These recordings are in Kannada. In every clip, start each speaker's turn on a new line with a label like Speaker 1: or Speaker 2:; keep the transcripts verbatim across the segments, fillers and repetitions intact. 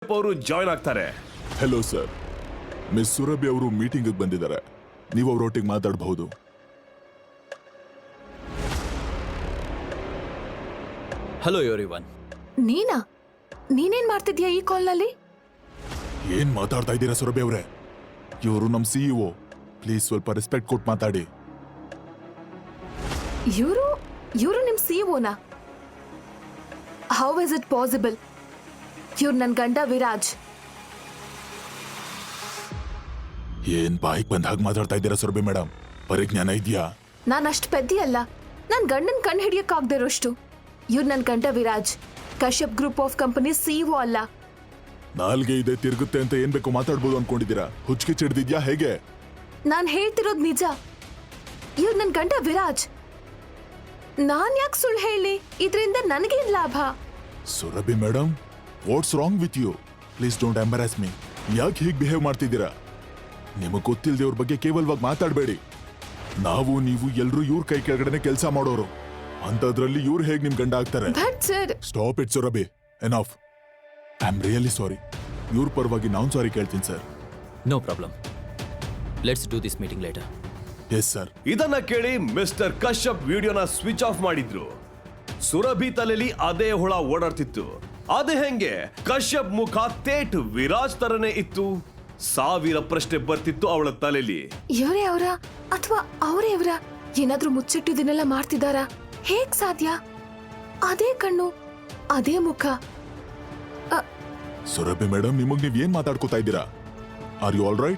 Speaker 1: ಅವರು ಜಾಯ್ನ್ ಆಗ್ತಾರೆ.
Speaker 2: ಹೆಲೋ ಸರ್, ಮಿಸ್ ಸುರಭಿ ಅವರು ಮೀಟಿಂಗ್ ಬಂದಿದ್ದಾರೆ. ನೀವು ಅವರೊಟ್ಟಿಗೆ ಮಾತಾಡಬಹುದು.
Speaker 3: Hello everyone.
Speaker 4: ನೀನಾ? ನೀನೇನ್ ಮಾಡ್ತಿದ್ಯಾ ಈ ಕಾಲ್ನಲ್ಲಿ?
Speaker 2: ಏನ್ ಮಾತಾಡ್ತಾ ಇದ್ದೀರಾ ಸುರಭಿ ಅವರೇ? ಇವರು ನಮ್ ಸಿಇಒ. ಪ್ಲೀಸ್ ಸ್ವಲ್ಪ ರೆಸ್ಪೆಕ್ಟ್ ಕೊಟ್ಟು ಮಾತಾಡಿ.
Speaker 4: ಇವರು ಇವರು ನಿಮ್ ಸಿಇಒನಾ? How is it possible? ಇವ್ರು ನನ್ ಗಂಡ ವಿರಾಜ್.
Speaker 2: ಏನ್ ಬಾಯಿಗೆ ಬಂದ ಹಾಗೆ ಮಾತಾಡ್ತಾ ಇದ್ದೀರಾ ಸುರಭಿ ಮೇಡಮ್? ಪರಿಜ್ಞಾನ ಇದೆಯಾ?
Speaker 4: ನಾನ್ ಅಷ್ಟು ಪೆದ್ದಿ ಅಲ್ಲ. ನನ್ ಗಂಡನ್ ಕಣ್ ಹಿಡಿಯಕ್ಕಾಗ್ದೇ ಇರೋಷ್ಟು. ಇವ್ರು ನನ್ ಗಂಡ Viraj, Kashyap group of company CEO ಅಲ್ಲ.
Speaker 2: ನಾಲ್ಗೆ ಇದೆ ತಿರುಗುತ್ತೆ ಅಂತ ಏನ್ ಬೇಕು ಮಾತಾಡ್ಬೋದು ಅನ್ಕೊಂಡಿದ್ದೀರಾ? ಹುಚ್ಚಿಗೆ ಚಿಡ್ದಿದ್ಯಾ ಹೇಗೆ?
Speaker 4: ನಾನ್ ಹೇಳ್ತಿರೋದ್ ನಿಜ. ಇವ್ರು ನನ್ ಗಂಡ ವಿರಾಜ್. ನಾನ್ ಯಾಕೆ ಸುಳ್ಳು ಹೇಳಿ? ಇದ್ರಿಂದ ನನಗೇನ್ ಲಾಭ?
Speaker 2: Surabhi madam, what's wrong with you? Please don't embarrass me. ಯಾಕೆ ಹೀಗೆ ಬಿಹೇವ್ ಮಾಡ್ತಿದ್ದೀರಾ? ನಿಮಗೆ ಗೊತ್ತಿಲ್ಲದೆ ಅವ್ರ ಬಗ್ಗೆ ಕೇವಲವಾಗಿ ಮಾತಾಡಬೇಡಿ. ನಾವು ನೀವು ಎಲ್ರೂ ಇವ್ರ ಕೈ ಕೆಳಗಡೆ ಕೆಲಸ ಮಾಡೋರು. ಅಂತದ್ರಲ್ಲಿ ಇವ್ರು ಹೇಗೆ ನಿಮ್ ಗಂಡ ಆಗ್ತಾರೆ? Stop it Surabhi, enough. I am really sorry. ಇವ್ರ ಪರವಾಗಿ ನಾನು ಸಾರಿ ಕೇಳ್ತೀನಿ sir.
Speaker 3: No problem. Let's do this meeting later.
Speaker 2: Yes sir.
Speaker 1: ಇದನ್ನ ಕೇಳಿ ಮಿಸ್ಟರ್ ಕಶ್ಯಪ್ ವಿಡಿಯೋನ ಸ್ವಿಚ್ ಆಫ್ ಮಾಡಿದ್ರು. ಸುರಭಿ ತಲೆಯಲ್ಲಿ ಅದೇ ಹುಳ ಓಡಾಡ್ತಿತ್ತು. ಅದೇ ಹೆಂಗೆ ಕಶ್ಯಪ್ ಮುಖ ತೇಟ್ ವಿರಾಜ್ ತರನೇ ಇತ್ತು. ಸಾವಿರ ಪ್ರಶ್ನೆ ಬರ್ತಿತ್ತು ಅವಳ ತಲೆಯಲ್ಲಿ.
Speaker 4: ಇವರೇ ಅವರ ಅಥವಾ ಅವರೇ ಇವರ? ಏನಾದ್ರೂ ಮುಚ್ಚಿಟ್ಟಿದ್ದನ್ನೆಲ್ಲ ಮಾಡ್ತಿದಾರಾ? ಹೇಗ್ ಸಾಧ್ಯ? ಅದೇ ಕಣ್ಣು, ಅದೇ ಮುಖ.
Speaker 2: ಸುರಭಿ ಮೇಡಮ್, ನಿಮಗ್ ನೀವ್ ಏನ್ ಮಾತಾಡ್ಕೋತಾ ಇದ್ದೀರಾ? Are you all right?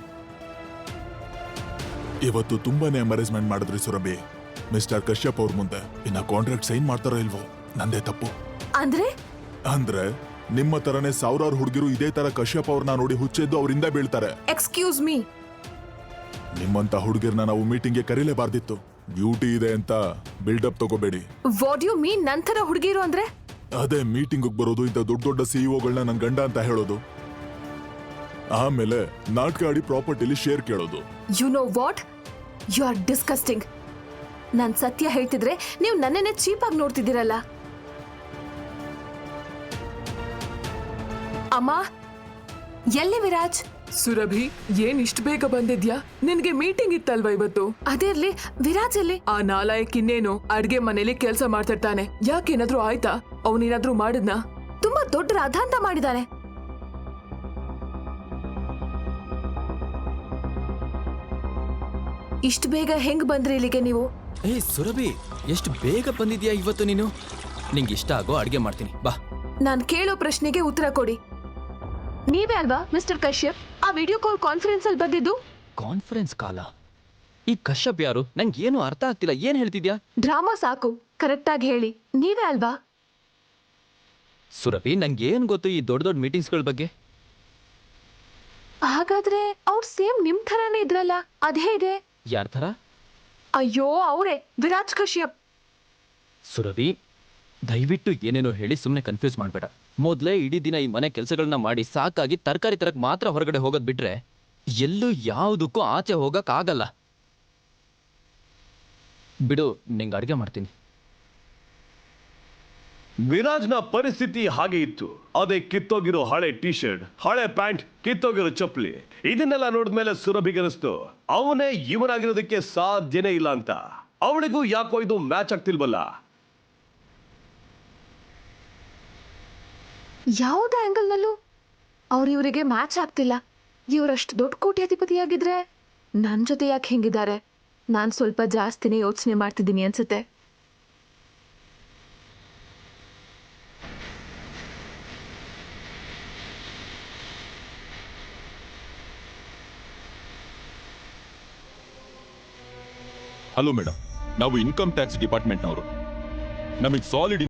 Speaker 2: ಇವತ್ತು ತುಂಬಾನೇ ಎಂಬರೇಜ್ಮೆಂಟ್ ಮಾಡಿದ್ರಿ ಸುರಭಿ ಮಿಸ್ಟರ್ ಕಶ್ಯಪ್ ಅವ್ರ ಮುಂದೆ. ಇನ್ನ ಕಾಂಟ್ರಾಕ್ಟ್ ಸೈನ್ ಮಾಡ್ತಾರೋ ಇಲ್ವೋ ನಂದೇ ತಪ್ಪು.
Speaker 4: ಅಂದ್ರೆ
Speaker 2: ಅಂದ್ರೆ ನಿಮ್ಮ ತರನೇ ಸಾವಿರಾರು ಹುಡುಗಿರು ಇದೇ ತರ ಕಶ್ಯಪ್ ಅವ್ರನ್ನ ನೋಡಿ ಹುಚ್ಚೆದ್ದು ಅವರಿಂದ ಬೀಳ್ತಾರೆ.
Speaker 4: Excuse me.
Speaker 2: ನಿಮ್ಮಂತ ಹುಡುಗಿರ್ನ ನಾವು ಮೀಟಿಂಗ್ಗೆ ಕರೀಲೇಬಾರ್ದಿತ್ತು. ಡ್ಯೂಟಿ ಇದೆ ಅಂತ ಬಿಲ್ಡಪ್ ತಗೋಬೇಡಿ.
Speaker 4: What you mean? ನಂತರ ಹುಡುಗಿರು ಅಂದ್ರೆ?
Speaker 2: ಅದೇ ಮೀಟಿಂಗ್ ಬರೋದು, ಇಂಥ ದೊಡ್ಡ ದೊಡ್ಡ ಸಿಇಒಗಳನ್ನ ನನ್ ಗಂಡ ಅಂತ ಹೇಳೋದು, ಆಮೇಲೆ ನಾಟಕ ಆಡಿ ಪ್ರಾಪರ್ಟಿಲಿ ಶೇರ್ ಕೇಳೋದು.
Speaker 4: You know what? You are disgusting. ನಾನ್ ಸತ್ಯ ಹೇಳ್ತಿದ್ರೆ ನೀವು ನನ್ನನ್ನೇ ಚೀಪ್ ಆಗಿ ನೋಡ್ತಿದ್ದೀರಲ್ಲ. ಅಮ್ಮ, ಎಲ್ಲಿ ವಿರಾಜ್?
Speaker 5: ಸುರಭಿ, ಏನ್ ಇಷ್ಟ ಬೇಗ ಬಂದಿದ್ಯಾ? ನಿನ್ಗೆ ಮೀಟಿಂಗ್ ಇತ್ತಲ್ವಾ ಇವತ್ತು?
Speaker 4: ಅದೇ ಇರ್ಲಿ, ವಿರಾಜ್ ಎಲ್ಲಿ?
Speaker 5: ಆ ನಾಲಾಯಕ್ ಇನ್ನೇನು ಅಡ್ಗೆ ಮನೇಲಿ ಕೆಲ್ಸ ಮಾಡ್ತಿರ್ತಾನೆ. ಯಾಕೇನಾದ್ರೂ ಆಯ್ತಾ? ಅವನೇನಾದ್ರೂ ಮಾಡಿದ್ನಾ?
Speaker 4: ತುಂಬಾ ದೊಡ್ಡ ರಾಧಾಂತ ಮಾಡಿದಾನೆ. ಇಷ್ಟು ಬೇಗ ಹೆಂಗ್ ಬಂದ್ರಿ ಇಲ್ಲಿಗೆ ನೀವು?
Speaker 3: ಏ ಸುರಭಿ, ಎಷ್ಟು ಬೇಗ ಬಂದಿದ್ಯಾ ಇವತ್ತು ನೀನು. ನಿಂಗೆ ಇಷ್ಟ ಆಗೋ ಅಡ್ಗೆ ಮಾಡ್ತೀನಿ, ಬಾ.
Speaker 4: ನಾನ್ ಕೇಳೋ ಪ್ರಶ್ನೆಗೆ ಉತ್ತರ ಕೊಡಿ. ನೀವೇ ಅಲ್ವಾ ಮಿಸ್ಟರ್ ಕಶ್ಯಪ್ ಆ ವಿಡಿಯೋ ಕಾಲ್ ಕಾನ್ಫರೆನ್ಸ್ ಅಲ್ಲಿ ಬಂದಿದ್ದು?
Speaker 3: ಕಾನ್ಫರೆನ್ಸ್ ಕಾಲ? ಈ ಕಶ್ಯಪ್ ಯಾರು? ನಂಗೆ ಏನು ಅರ್ಥ ಆಗ್ತಿಲ್ಲ. ಏನ್ ಹೇಳ್ತಿದ್ಯಾ?
Speaker 4: ಡ್ರಾಮಾ ಸಾಕು, ಕರೆಕ್ಟ್ ಆಗಿ ಹೇಳಿ. ನೀವೇ ಅಲ್ವಾ?
Speaker 3: ಸುರಭಿ, ನಂಗೆ ಏನ್ ಗೊತ್ತು ಈ ದೊಡ್ಡ ದೊಡ್ಡ ಮೀಟಿಂಗ್ಸ್ಗಳ ಬಗ್ಗೆ?
Speaker 4: ಹಾಗಾದ್ರೆ ಅವ್ರು ಸೇಮ್ ನಿಮ್ ಥರಾನೇ ಇದ್ರಲ್ಲ, ಅದೇ ಇದೆ.
Speaker 3: ಯಾರ ಥರ?
Speaker 4: ಅಯ್ಯೋ, ಅವರೇ, ವಿರಾಜ್ ಕಶ್ಯಪ್.
Speaker 3: ಸುರಭಿ, ದಯವಿಟ್ಟು ಏನೇನೋ ಹೇಳಿ ಸುಮ್ಮನೆ ಕನ್ಫ್ಯೂಸ್ ಮಾಡಬೇಡ. ಮೊದಲೇ ಇಡೀ ದಿನ ಈ ಮನೆ ಕೆಲಸಗಳನ್ನ ಮಾಡಿ ಸಾಕಾಗಿ ತರಕಾರಿ ತರಕ್ ಮಾತ್ರ ಹೊರಗಡೆ ಹೋಗೋದ್ ಬಿಟ್ರೆ ಎಲ್ಲೂ ಯಾವುದಕ್ಕೂ ಆಚೆ ಹೋಗಕ್ ಆಗಲ್ಲ. ಬಿಡು, ನಿಂಗೆ ಅಡ್ಗೆ ಮಾಡ್ತೀನಿ.
Speaker 1: ವಿರಾಜ್ನ ಪರಿಸ್ಥಿತಿ ಹಾಗೆ ಇತ್ತು. ಅದೇ ಕಿತ್ತೋಗಿರೋ ಹಳೆ ಟಿ ಶರ್ಟ್, ಹಳೆ ಪ್ಯಾಂಟ್, ಕಿತ್ತೋಗಿರೋ ಚಪ್ಪಲಿ. ಇದನ್ನೆಲ್ಲ ನೋಡಿದ್ಮೇಲೆ ಸುರಭಿಗೆ ಅನಿಸ್ತು ಅವನೇ ಇವನಾಗಿರೋದಕ್ಕೆ ಸಾಧ್ಯನೇ ಇಲ್ಲ ಅಂತ. ಅವಳಿಗೂ ಯಾಕೋ ಇದು ಮ್ಯಾಚ್ ಆಗ್ತಿಲ್ವಲ್ಲ.
Speaker 4: ಯಾವುದೇ ಆಂಗಲ್ ನಲ್ಲೂ ಅವ್ರ ಇವರಿಗೆ ಮ್ಯಾಚ್ ಆಗ್ತಿಲ್ಲ. ಇವರಷ್ಟು ದೊಡ್ಡ ಕೋಟ್ಯಾಧಿಪತಿಯಾಗಿದ್ರೆ ನನ್ ಜೊತೆ ಯಾಕೆ ಹೆಂಗಿದ್ದಾರೆ? ನಾನ್ ಸ್ವಲ್ಪ ಜಾಸ್ತಿನೇ ಯೋಚನೆ ಮಾಡ್ತಿದ್ದೀನಿ ಅನ್ಸುತ್ತೆ.
Speaker 6: ಹಲೋ ಮೇಡಮ್, ನಾವು ಇನ್ಕಮ್ ಟ್ಯಾಕ್ಸ್ ಡಿಪಾರ್ಟ್ಮೆಂಟ್ನವರು. ನಮಗೆ ಸಾಲಿಡ್